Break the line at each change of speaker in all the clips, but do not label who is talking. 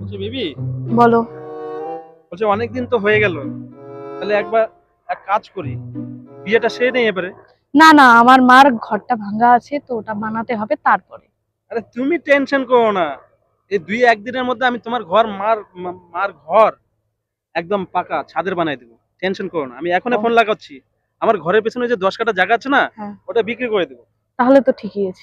বলছি বেবি,
বলো।
বলছি অনেকদিন তো হয়ে গেল, তাহলে একবার এক কাজ করি, বিয়েটা সেরে নেই এবারে।
না না, আমার মার ঘরটা ভাঙা আছে তো ওটা বানাতে হবে তারপরে।
আরে তুমি টেনশন করো না, এই দুই একদিনের মধ্যে আমি তোমার ঘর মার ঘর একদম পাকা ছাদের বানাই দেবো। টেনশন করো না, আমি এখনই
ও,
ফোন লাগাচ্ছি। আমার ঘরের পেছনে যে 10 কাঠা জায়গা আছে না,
হ্যাঁ,
ওটা বিক্রি করে দেবো।
তাহলে তো ঠিকই আছে।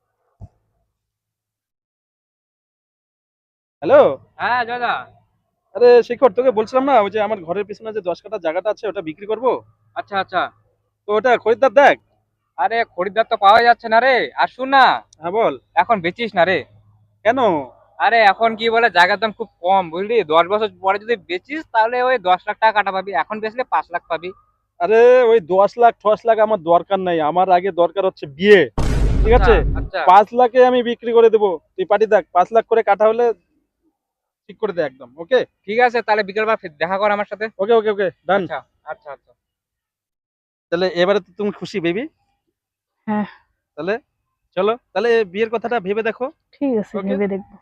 হ্যালো।
হ্যাঁ দাদা।
আরে শেখর, তোকে বলছিলাম না, ওই যে আমার ঘরের পেছনে যে 10 কাঠা জায়গাটা আছে ওটা বিক্রি করবো।
আচ্ছা আচ্ছা।
তো ওটা খরিদ্দার দেখ।
আরে খরিদ্দার তো পাওয়া যাচ্ছে না রে, আর শুন না,
হ্যাঁ বল।
এখন বেচিস না রে।
কেন?
আরে এখন কি বলে, জায়গার দাম খুব কম বুঝলি, 10 বছর পরে যদি বেচিস তাহলে ওই 10 লাখ টাকা কাটা পাবি, এখন বেচলে 5 লাখ পাবি।
আরে ওই 10 লাখ 10 লাখ আমার দরকার নাই, আমার আগে দরকার হচ্ছে বিয়ে। ঠিক
আচ্ছা
আছে,
আচ্ছা।
5 লাখে আমি বিক্রি করে দেবো। তুই পাটি দেখ, 5 লাখ করে কাটা হলে ঠিক করে দে একদম। ওকে
ঠিক আছে, তাহলে বিকেলবার ফির দেখা কর আমার সাথে।
ওকে ওকে ওকে ডান।
আচ্ছা আচ্ছা আচ্ছা।
তাহলে এবারে তো তুমি খুশি বেবি?
হ্যাঁ,
তাহলে চলো, তাহলে বিয়ের কথাটা ভেবে দেখো।
ঠিক আছে,
ওকে।
ভেবে দেখবো।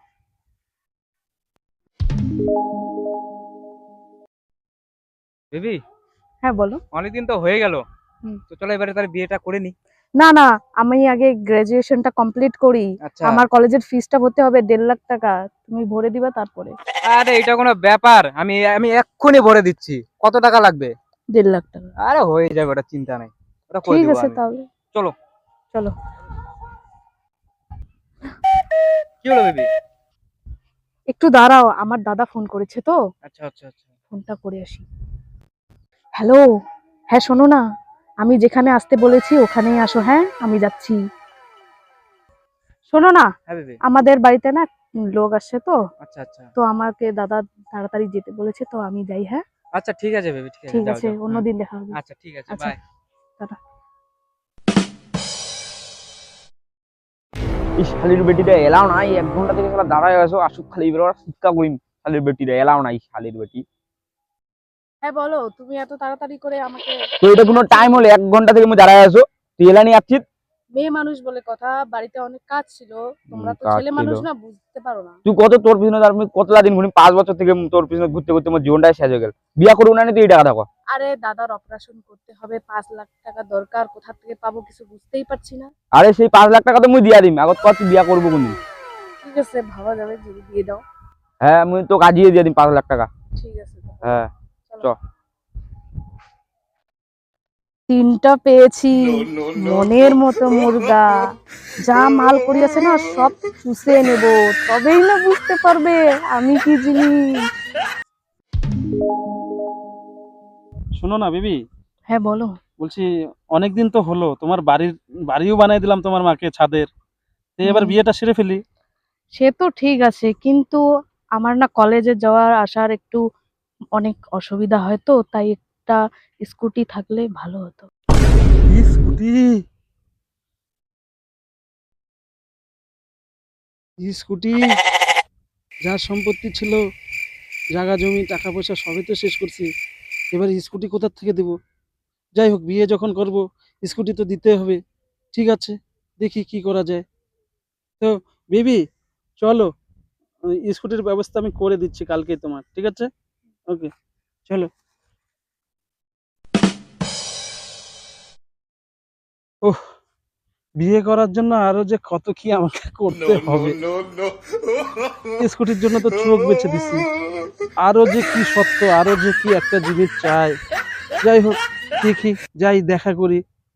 বেবি,
হ্যাঁ বলো।
অনেকদিন তো হয়ে গেল,
হুম।
তো চলো এবারে তাহলে বিয়েটা করে নি।
না না, আমি আগে গ্রাজুয়েশনটা কমপ্লিট করি।
আচ্ছা।
আমার কলেজের ফিসটা ভরতে হবে 1.5 লাখ টাকা, তুমি ভরে দিবা তারপরে।
আরে এটা কোনো ব্যাপার, আমি আমি এক্ষুনি ভরে দিচ্ছি। কত টাকা লাগবে?
1.5 লাখ টাকা।
আরে হয়ে যাবে, ওটা চিন্তা নাই, ওটা করে
ঠিক
দিব
আছে
আমি।
তাহলে।
চলো।
চলো।
কি হলো বেবি?
একটু দাঁড়াও, আমার দাদা ফোন করেছে তো,
আচ্ছা আচ্ছা আচ্ছা।
ফোনটা করে আসি। হ্যালো। হ্যাঁ শোনো না, আমি যেখানে আসতে বলেছি ওখানেই আসো, হ্যাঁ আমি যাচ্ছি। শোনো না,
হ্যাঁ বেবি।
আমাদের বাড়িতে না লোক আসছে তো,
আচ্ছা আচ্ছা
তো আমাকে দাদা তাড়াতাড়ি যেতে বলেছে, তো আমি যাই। হ্যাঁ
আচ্ছা, ঠিক আছে বেবি, ঠিক আছে,
ঠিক
যাও
আছে,
যাও, হ্যাঁ।
অন্যদিন দেখা হবে।
আচ্ছা ঠিক আছে,
আচ্ছা,
বাই।
টাটা।
এই শালির বেটিটা এলাও নাই, 1 ঘন্টা থেকে শালা দাঁড়ায় আছো, আসুক খালি এবার শিক্ষা করিম। শালির বেটিটা এলাও নাই, শালির বেটি।
হ্যাঁ বলো, তুমি এত তাড়াতাড়ি করে আমাকে
তো এটা কোনো টাইম হলে 1 ঘন্টা থেকে আমি দাঁড়ায় আছো, তুই এলানি আসছিস।
মেয়ে মানুষ বলে কথা, বাড়িতে অনেক কাজ ছিল, তোমরা তো
কাজ
ছেলে
ছিল,
মানুষ না, বুঝতে পারো না।
তুই কত তোর পিছনে আমি কতলা দিন ঘুরি, 5 বছর থেকে তোর পিছনে ঘুরতে ঘুরতে আমার জীবনটাই শেষ হয়ে গেল। বিয়া করবো না নি তুই এই টাকা থাকো।
আরে দাদার অপারেশন করতে হবে, 5 লাখ টাকা দরকার, কোথা থেকে পাবো কিছু বুঝতেই পারছি না।
আরে সেই 5 লাখ টাকা তো মুই দিয়া দিম, আগত কত তুই বিয়া করবো কোনদিন।
ঠিক আছে, ভাবা যাবে যদি দিয়ে দাও।
হ্যাঁ মুই তো কাজিয়ে দিয়ে দিম 5 লাখ টাকা।
ঠিক আছে তাহলে।
হ্যাঁ চ।
চলো। তিনটা পেয়েছি, মনের মতো মুর্গা। যা মাল করিয়াছে না সব চুষে নেব, তবেই না বুঝতে পারবে আমি কি জিনিস।
শোনো না বেবি,
হ্যাঁ বলো।
বলছি অনেকদিন তো হলো, তোমার বাড়িও বানাই দিলাম তোমার মাকে ছাদের। তো এবার
হুম,
বিয়েটা সেরে ফেলি।
সে তো ঠিক আছে, কিন্তু আমার না কলেজে যাওয়ার আসার একটু অনেক অসুবিধা হয়, তো তাই একটা স্কুটি থাকলে ভালো হতো।
স্কুটি? স্কুটি? যা সম্পত্তি ছিল, জায়গা জমি টাকা পয়সা সবই তো শেষ করছি, এবার স্কুটি কোথা থেকে দেবো? যাই হোক, বিয়ে যখন করব স্কুটি তো দিতে হবে। ঠিক আছে, দেখি কি করা যায়। তো বেবি চলো, ওই স্কুটির ব্যবস্থা আমি করে দিচ্ছি কালকেই তোমার, ঠিক আছে? ওকে চলো। ওহ, বিয়ে করার জন্য আরো যে কত কি আমাকে করতে হবে। স্কুটির জন্য তো চোখ বেঁচে দিছি, আরো যে কি সত্য, আরো যে কি একটা জিনিস চাই। যাই হোক, দেখি, যাই দেখা করি।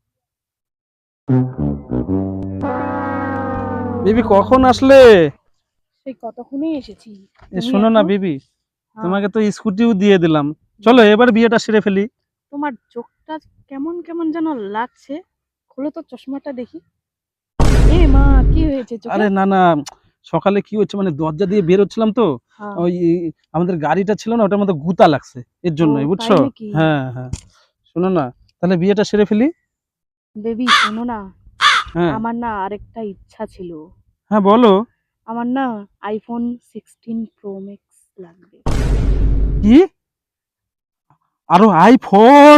বেবি কখন আসলে?
সেই কতক্ষণই এসেছি।
এ
তুমি
শোনো না
এখন?
বেবি,
হ্যাঁ,
তোমাকে তো স্কুটিও দিয়ে দিলাম, চলো এবার বিয়েটা সেরে ফেলি।
তোমার চোখটা কেমন কেমন যেন লাগছে, খোলো তো চশমাটা দেখি। এ মা, কি হয়েছে চোখে?
আরে না না, সকালে কি হচ্ছে মানে দরজা দিয়ে বের হচ্ছিলাম তো,
হ্যাঁ।
ওই আমাদের গাড়িটা ছিল না, ওটার মধ্যে গুতা লাগছে, এর
ও
জন্যই,
তাই
বুঝছো?
নাকি?
হ্যাঁ হ্যাঁ। শোনো না, তাহলে বিয়েটা সেরে ফেলি।
বেবি শোনো না,
হ্যাঁ
আমার না আরেকটা ইচ্ছা ছিল।
হ্যাঁ বলো।
আমার না আইফোন 16 প্রো ম্যাক্স লাগবে।
কি? আরো আইফোন?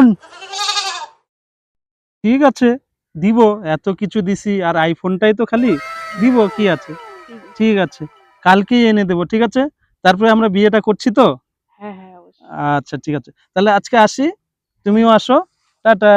ঠিক আছে, দিব। এত কিছু দিছি আর আইফোনটাই তো খালি দিব, কি আছে?
ঠিক আছে।
ঠিক আছে, কালকেই এনে দেবো, ঠিক আছে? তারপরে আমরা বিয়েটা করছি তো।
হ্যাঁ হ্যাঁ অবশ্যই।
আচ্ছা ঠিক আছে, তাহলে আজকে আসি, তুমিও আসো, টাটা।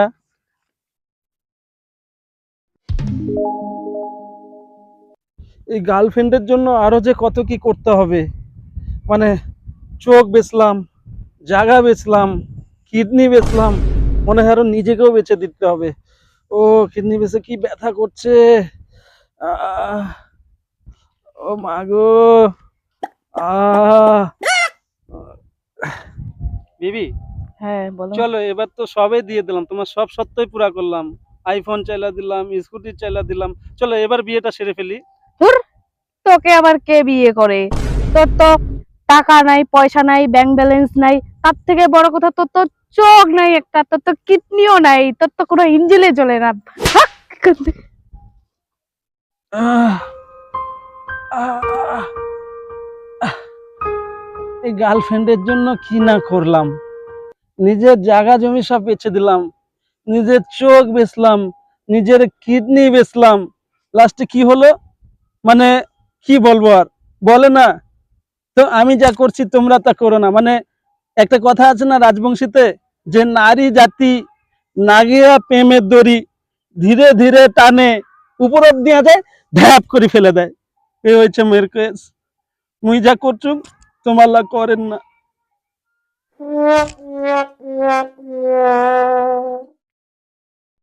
এই গার্লফ্রেন্ডের জন্য আরো যে কত কি করতে হবে, মানে চোখ বেচলাম, জায়গা বেচলাম, কিডনি বেচলাম, মনে হয় আরো নিজেকেও বেচে দিতে হবে। ও কিডনি বেচে কি ব্যথা করছে, আহ, ও মা গো, আহ বিবি,
হ্যাঁ বলো।
চলো এবার তো সবে দিয়ে দিলাম, তোমার সব সত্যই পুরা করলাম, আইফোন চাইলা দিলাম, স্কুটি চাইলা দিলাম, চলো এবার বিয়েটা সেরে ফেলি।
ধুর, তোকে আবার কে বিয়ে করে? তোর তো টাকা নাই, পয়সা নাই, ব্যাংক ব্যালেন্স নাই, তার থেকে বড় কথা তোর তো চোখ নাই একটা, তোর তো কিডনিও নাই, তোর তো কোনো ইঞ্জিনে চলে না। ভাগ এখান থেকে।
আহ, আহ, আহ, এই গার্লফ্রেন্ডের জন্য কি না করলাম, নিজের জায়গা জমি সব বেচে দিলাম, নিজের চোখ বেচলাম, নিজের কিডনি বেচলাম, লাস্টে কি হলো, মানে কি বলবো আর, বলে না, তো আমি যা করছি তোমরা তা করো না, মানে একটা কথা আছে না রাজবংশীতে, যে নারী জাতি নাগিয়া প্রেমের দড়ি ধীরে ধীরে টানে উপর অব্দি যায়, ঢ্যাপ করে ফেলে দেয়। এই হয়েছে মেয়ের কেস, মুই যা করছুম তোমার লা করেন না।